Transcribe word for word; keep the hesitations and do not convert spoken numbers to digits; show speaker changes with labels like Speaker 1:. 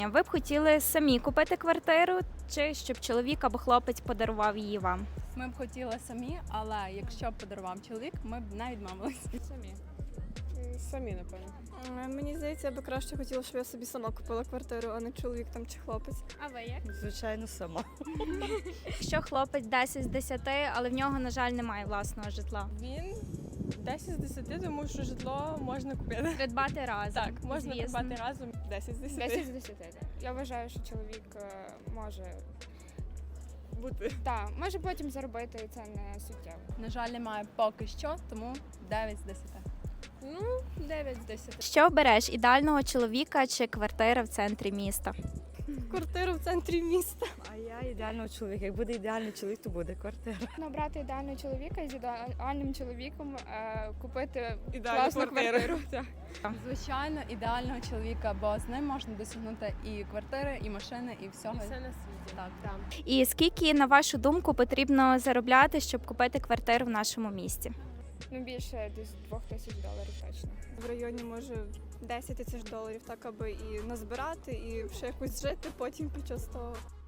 Speaker 1: Ви б хотіли самі купити квартиру, чи щоб чоловік або хлопець подарував її вам?
Speaker 2: Ми б хотіли самі, але якщо б подарував чоловік, ми б не відмовилися.
Speaker 3: Самі. Самі, напевно.
Speaker 4: Е, Мені здається, я би краще хотіла, щоб я собі сама купила квартиру, а не чоловік там чи хлопець.
Speaker 1: А ви як?
Speaker 5: Звичайно, сама.
Speaker 1: Якщо хлопець десять з десяти, але в нього, на жаль, немає власного житла.
Speaker 3: Він десять з десяти, тому що житло можна купити.
Speaker 1: Придбати разом.
Speaker 3: Так, можна
Speaker 1: звісно.
Speaker 3: придбати разом десять з десяти.
Speaker 6: десять з десяти. Я вважаю, що чоловік е, може
Speaker 3: Бути.
Speaker 6: та може потім заробити, і це не суттєво.
Speaker 2: На жаль, немає поки що, тому дев'ять з десяти.
Speaker 3: Ну, дев'ять з десяти.
Speaker 1: Що обереш, ідеального чоловіка чи квартира в центрі міста?
Speaker 4: Квартиру в центрі міста.
Speaker 5: А я ідеального чоловіка. Як буде ідеальний чоловік, то буде квартира.
Speaker 6: Обрати ідеального чоловіка і з ідеальним чоловіком е, купити
Speaker 3: Ідеальну
Speaker 6: класну
Speaker 3: квартиру.
Speaker 6: квартиру. Так.
Speaker 2: Звичайно, ідеального чоловіка, бо з ним можна досягнути і квартири, і машини, і всього.
Speaker 3: Все на світі.
Speaker 2: Так.
Speaker 3: Там.
Speaker 1: І скільки, на вашу думку, потрібно заробляти, щоб купити квартиру в нашому місті?
Speaker 6: Ну більше десь двох тисяч доларів точно.
Speaker 4: В районі може десять тисяч доларів, так аби і назбирати, і ще якось жити потім під час того.